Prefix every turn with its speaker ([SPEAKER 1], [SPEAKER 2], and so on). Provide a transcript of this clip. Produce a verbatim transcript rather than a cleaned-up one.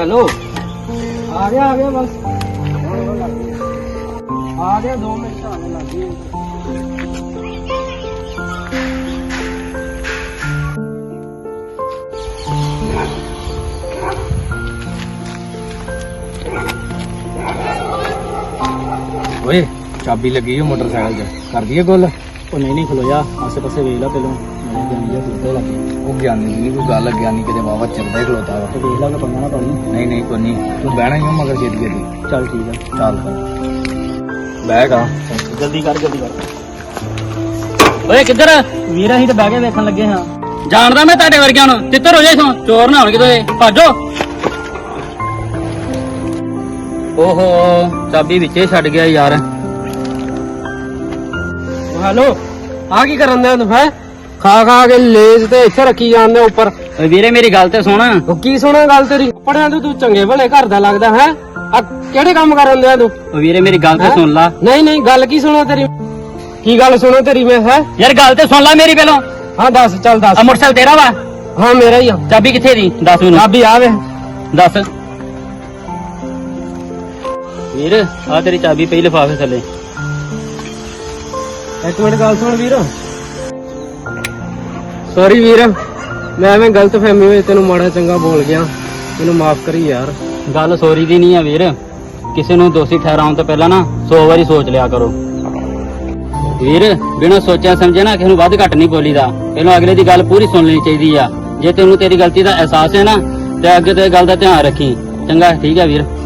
[SPEAKER 1] Hello आ गया आ गया बस आ गया दो मिनट आने लगी।
[SPEAKER 2] ओए चाबी लगी है मोटरसाइकिल च कर दिए गोल।
[SPEAKER 1] ਉਹ ਨਹੀਂ ਨਹੀਂ ਖਲੋਇਆ ਆਸੇ ਪਾਸੇ ਵੇਖ ਲੈ ਪਹਿਲਾਂ ਮੇਰੇ ਜਾਨੀ ਜਾਂ ਕੁੱਤੇ ਲੱਗੇ
[SPEAKER 2] ਉਹ ਗਿਆਨੀ ਦੀ ਕੋਈ ਗੱਲ ਗਿਆਨੀ ਕਿਤੇ ਵਾਵਾ ਚਿਰਦਾ ਹੀ ਖਲੋਤਾ ਵਾ।
[SPEAKER 1] ਤੇ ਵੇਖ ਲੈ ਕਿ ਪੰਗਾ ਨਾ ਪਾਣੀ।
[SPEAKER 2] ਨਹੀਂ ਨਹੀਂ ਕੋਈ ਨਹੀਂ ਤੂੰ ਬਹਿਣਾ ਹੀ ਆ ਮਗਰ ਛੇਤੀ ਛੇਤੀ।
[SPEAKER 1] ਚੱਲ ਠੀਕ ਆ
[SPEAKER 2] ਚੱਲ ਬਹਿ ਗਾ
[SPEAKER 1] ਜਲਦੀ ਕਰ ਜਲਦੀ ਕਰ। ਓਏ ਕਿੱਧਰ ਵੀਰ ਅਸੀਂ ਤਾਂ ਬਹਿ ਕੇ ਵੇਖਣ ਲੱਗੇ ਹਾਂ।
[SPEAKER 3] ਜਾਣਦਾ ਮੈਂ ਤੁਹਾਡੇ ਵਰਗਿਆਂ ਨੂੰ ਤਿੱਤਰ ਹੋ ਜਾਏ ਸੋ ਚੋਰ ਨਾ ਹੋਣ ਕਿਤੇ ਭਾਜੋ। ਓਹੋ ਚਾਬੀ ਵਿੱਚੇ ਛੱਡ ਗਿਆ ਯਾਰ।
[SPEAKER 1] ਹੈਲੋ ਆ ਕੀ ਕਰਨ ਦਿਆ ਤੂੰ ਹੈ ਖਾ ਖਾ ਕੇ ਲੇਜ ਤੇ ਇੱਥੇ ਰੱਖੀ ਜਾਂਦੇ ਉੱਪਰ।
[SPEAKER 3] ਓਏ ਵੀਰੇ ਮੇਰੀ ਗੱਲ ਤੇ ਸੁਣ।
[SPEAKER 1] ਉਹ ਕੀ ਸੁਣਾ ਗੱਲ ਤੇਰੀ ਪੜਿਆ ਤੂੰ ਤੂੰ ਚੰਗੇ ਭਲੇ ਘਰ ਦਾ ਲੱਗਦਾ ਹੈ ਆ ਕਿਹੜੇ ਕੰਮ ਕਰਨ ਦਿਆ ਤੂੰ।
[SPEAKER 3] ਓ ਵੀਰੇ ਮੇਰੀ ਗੱਲ ਤੇ
[SPEAKER 1] ਹੈਂ?
[SPEAKER 3] ਸੁਣ ਲਾ।
[SPEAKER 1] ਨਹੀਂ ਨਹੀਂ ਗੱਲ ਕੀ ਸੁਣਾ ਤੇਰੀ ਕੀ ਗੱਲ ਸੁਣਾ ਤੇਰੀ ਮੈਂ ਹੈ।
[SPEAKER 3] ਯਾਰ ਗੱਲ ਤੇ ਸੁਣ ਲਾ ਮੇਰੀ ਪਹਿਲੋਂ।
[SPEAKER 1] ਹਾਂ ਦੱਸ ਚੱਲ ਦੱਸ।
[SPEAKER 3] ਆ ਮੋਟਰਸਾਈਕਲ ਤੇਰਾ ਵਾ?
[SPEAKER 1] ਹਾਂ ਮੇਰਾ ਹੀ ਆ।
[SPEAKER 3] ਚਾਬੀ ਕਿੱਥੇ ਦੀ ਦੱਸ ਮੈਨੂੰ।
[SPEAKER 1] ਚਾਬੀ ਆ ਵੇ
[SPEAKER 3] ਦੱਸ ਵੀਰ ਆ ਤੇਰੀ ਚਾਬੀ ਪਈ ਲਿਫਾਫੇ ਥੱਲੇ।
[SPEAKER 1] ਇੱਕ ਮਿੰਟ ਗੱਲ ਸੁਣ ਵੀਰ। ਸੌਰੀ ਵੀਰ ਮੈਂ ਐਵੇਂ ਗਲਤ ਫਹਿਮੀ ਹੋਈ ਤੈਨੂੰ ਮਾੜਾ ਚੰਗਾ ਬੋਲ ਗਿਆ ਮੈਨੂੰ ਮਾਫ ਕਰੀ ਯਾਰ।
[SPEAKER 3] ਗੱਲ ਸੋਰੀ ਦੀ ਨਹੀਂ ਆ ਵੀਰ। ਕਿਸੇ ਨੂੰ ਦੋਸ਼ੀ ਠਹਿਰਾਉਣ ਤੋਂ ਪਹਿਲਾਂ ਨਾ ਸੌ ਵਾਰੀ ਸੋਚ ਲਿਆ ਕਰੋ ਵੀਰ। ਬਿਨਾਂ ਸੋਚਿਆ ਸਮਝਿਆ ਨਾ ਕਿਸੇ ਨੂੰ ਵੱਧ ਘੱਟ ਨਹੀਂ ਬੋਲੀਦਾ। ਪਹਿਲਾਂ ਅਗਲੇ ਦੀ ਗੱਲ ਪੂਰੀ ਸੁਣ ਲੈਣੀ ਚਾਹੀਦੀ ਆ। ਜੇ ਤੈਨੂੰ ਤੇਰੀ ਗਲਤੀ ਦਾ ਅਹਿਸਾਸ ਹੈ ਨਾ ਤੇ ਅੱਗੇ ਤੇ ਇਹ ਗੱਲ ਦਾ ਧਿਆਨ ਰੱਖੀ। ਚੰਗਾ ਠੀਕ ਹੈ ਵੀਰ।